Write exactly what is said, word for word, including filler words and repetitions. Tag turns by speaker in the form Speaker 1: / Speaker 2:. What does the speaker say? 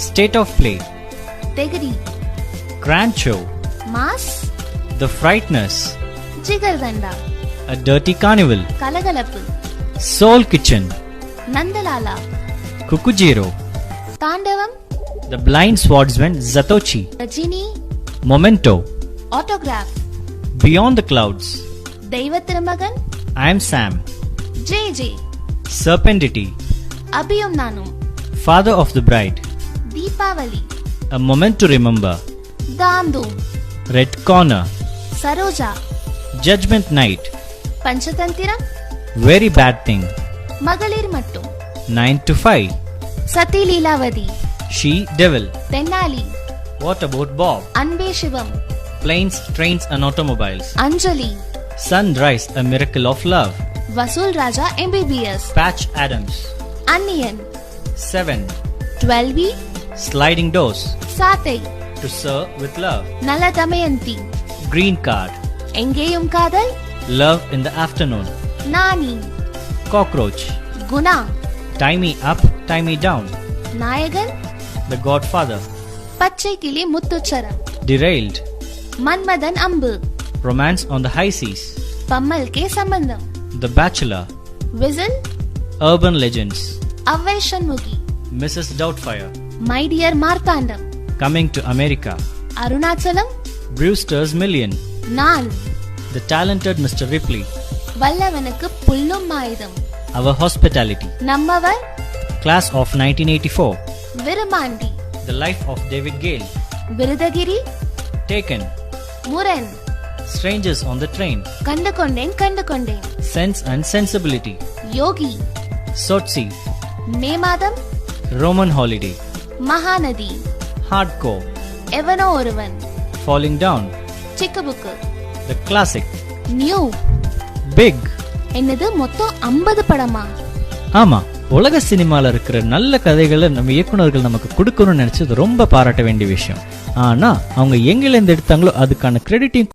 Speaker 1: State of Play,
Speaker 2: Tegri,
Speaker 1: Grand Show,
Speaker 2: Mass,
Speaker 1: The Frighteners,
Speaker 2: Jigardanda,
Speaker 1: A Dirty Carnival,
Speaker 2: Kalagalappu,
Speaker 1: Soul Kitchen,
Speaker 2: Nandalala,
Speaker 1: Kukujiro,
Speaker 2: Tandavam,
Speaker 1: The Blind Swordsman Zatoichi,
Speaker 2: Rajini,
Speaker 1: Memento,
Speaker 2: Autograph,
Speaker 1: Beyond the Clouds,
Speaker 2: Deivathiramagan,
Speaker 1: I Am Sam,
Speaker 2: J J,
Speaker 1: Serpentity,
Speaker 2: Abhiyum Nanum,
Speaker 1: Father of the Bride,
Speaker 2: Deepavali,
Speaker 1: A Moment to Remember,
Speaker 2: Dandum,
Speaker 1: Red Corner,
Speaker 2: Saroja,
Speaker 1: Judgment Night,
Speaker 2: Panchatantiram,
Speaker 1: Very Bad Thing,
Speaker 2: Magalir Mattum,
Speaker 1: nine to five,
Speaker 2: Sati Leelavadi,
Speaker 1: She Devil,
Speaker 2: Tennali,
Speaker 1: What About Bob,
Speaker 2: Anbe Shivam,
Speaker 1: Planes, Trains and Automobiles,
Speaker 2: Anjali,
Speaker 1: Sunrise, A Miracle of Love,
Speaker 2: Vasul Raja M B B S,
Speaker 1: Patch Adams,
Speaker 2: Anniyan,
Speaker 1: seven,
Speaker 2: twelve B,
Speaker 1: Sliding Doors,
Speaker 2: Sathai,
Speaker 1: To Serve with Love,
Speaker 2: Nala Damayanti,
Speaker 1: Green Card,
Speaker 2: Engeyum Kadal,
Speaker 1: Love in the Afternoon,
Speaker 2: Nani,
Speaker 1: Cockroach,
Speaker 2: Guna,
Speaker 1: Tie Me Up, Tie Me Down,
Speaker 2: Nayagan,
Speaker 1: The Godfather,
Speaker 2: Pachai Kili Muttucharam,
Speaker 1: Derailed,
Speaker 2: Manmadan Ambu,
Speaker 1: Romance on the High Seas,
Speaker 2: Pammal Ke Sambandham,
Speaker 1: The Bachelor,
Speaker 2: Whistle,
Speaker 1: Urban Legends,
Speaker 2: Avvai Shanmugi,
Speaker 1: Missus Doubtfire,
Speaker 2: My Dear Marthandam,
Speaker 1: Coming to America,
Speaker 2: Arunachalam,
Speaker 1: Brewster's Million,
Speaker 2: Naan,
Speaker 1: The Talented Mister Ripley,
Speaker 2: Vallavanukku Pullum Maayudam,
Speaker 1: Our Hospitality,
Speaker 2: Nammavar,
Speaker 1: Class of nineteen eighty-four,
Speaker 2: Virumandi,
Speaker 1: The Life of David Gale,
Speaker 2: Virudagiri,
Speaker 1: Taken,
Speaker 2: Muran,
Speaker 1: Strangers on the Train,
Speaker 2: Kandukonden Kandukonden,
Speaker 1: Sense and Sensibility,
Speaker 2: Yogi,
Speaker 1: Sotsi,
Speaker 2: May Madam,
Speaker 1: Roman Holiday,
Speaker 2: Mahanadi,
Speaker 1: Hardcore,
Speaker 2: Evano Oruvan,
Speaker 1: Falling Down,
Speaker 2: Chikkabukku,
Speaker 1: The Classic,
Speaker 2: New,
Speaker 1: Big.
Speaker 2: என்னது மொத்தம் ஐம்பது படமா?
Speaker 1: ஆமா, உலக சினிமால இருக்கிற நல்ல கதைகளை நம்ம இயக்குனர்கள் நமக்கு கொடுக்கணும்னு நினைச்சது ரொம்ப பாராட்ட வேண்டிய விஷயம். ஆனா அவங்க எங்கில இருந்து எடுத்தாங்களோ அதுக்கான கிரெடிட்டையும்